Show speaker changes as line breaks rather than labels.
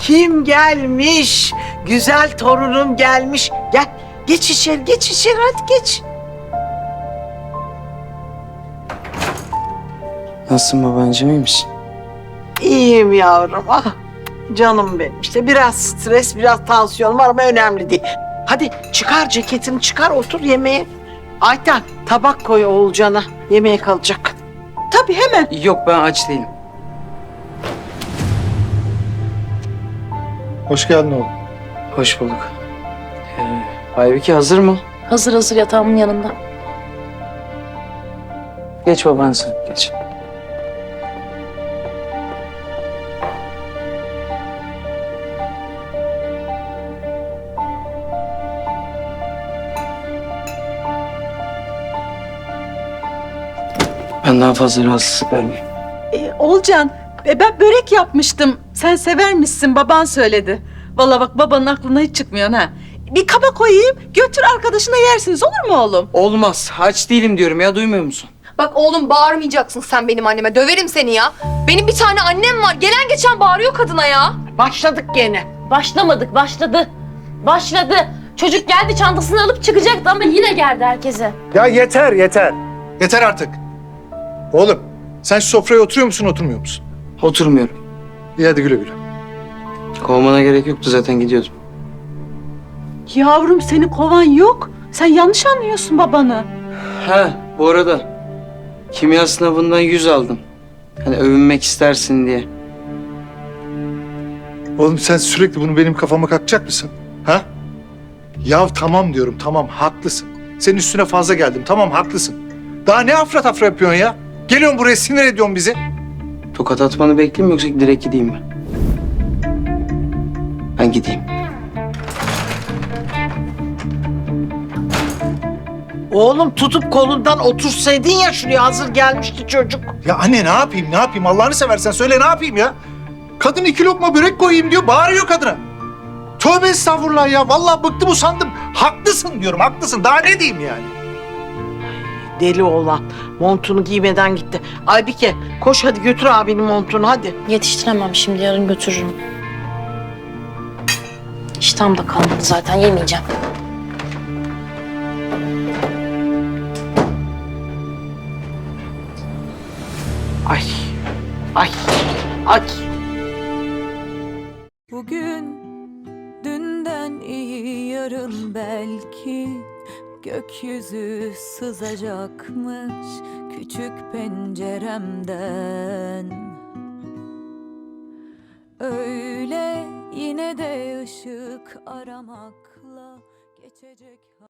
Kim gelmiş? Güzel torunum gelmiş. Gel, geç içeri, geç içeri, hadi geç.
Nasılsın babancığım, iyi misin?
İyiyim yavrum, ah. Canım benim. İşte biraz stres, biraz tansiyon var ama önemli değil. Hadi çıkar ceketini, çıkar, otur yemeğe. Ayten, tabak koy Oğulcan'a. Yemeğe kalacak. Tabii, hemen.
Yok, ben aç değilim.
Hoş geldin oğlum.
Hoş bulduk. Aybike hazır mı?
Hazır hazır yatağımın yanında.
Geç baban sen, geç. Ben daha fazla rahatsızlık vermeyeyim.
Oğulcan, ben börek yapmıştım. Sen sever misin? Baban söyledi. Vallahi bak babanın aklına hiç çıkmıyor ha. Bir kaba koyayım, götür arkadaşına yersiniz, olur mu oğlum?
Olmaz, aç değilim diyorum ya, duymuyor musun?
Bak oğlum bağırmayacaksın sen benim anneme. Döverim seni ya. Benim bir tane annem var. Gelen geçen bağırıyor kadına ya.
Başladık gene.
Başlamadık, başladı. Başladı. Çocuk geldi çantasını alıp çıkacaktı ama yine geldi herkese.
Ya yeter, yeter. Yeter artık. Oğlum, sen şu sofraya oturuyor musun, oturmuyor musun?
Oturmuyorum.
İyi hadi güle güle.
Kovmana gerek yoktu, zaten gidiyordum.
Yavrum seni kovan yok. Sen yanlış anlıyorsun babanı.
Ha, bu arada kimya sınavından 100 aldım. Hani övünmek istersin diye.
Oğlum sen sürekli bunu benim kafama kakacak mısın? Ha? Ya tamam diyorum, tamam haklısın. Senin üstüne fazla geldim, tamam haklısın. Daha ne afra tafra yapıyorsun ya? Geliyorsun buraya sinir ediyorsun bizi.
Tokat atmanı bekleyeyim mi yoksa direkt gideyim mi? Ben gideyim.
Oğlum tutup kolundan otursaydın ya şuraya, hazır gelmişti çocuk.
Ya anne ne yapayım, ne yapayım? Allah'ını seversen söyle ne yapayım ya? Kadın 2 lokma börek koyayım diyor, bağırıyor kadına. Tövbe estağfurullah ya, vallahi bıktım usandım. Haklısın diyorum, haklısın. Daha ne diyeyim yani?
Deli oğlan. Montunu giymeden gitti. Aybike, koş hadi götür abinin montunu, hadi.
Yetiştiremem şimdi, yarın götürürüm. İştahım da kalmadı zaten, yemeyeceğim.
Ay, ay, ay.
Bugün dünden iyi, yarın belki gökyüzü sızacakmış küçük penceremden. Öyle yine de ışık aramakla geçecek.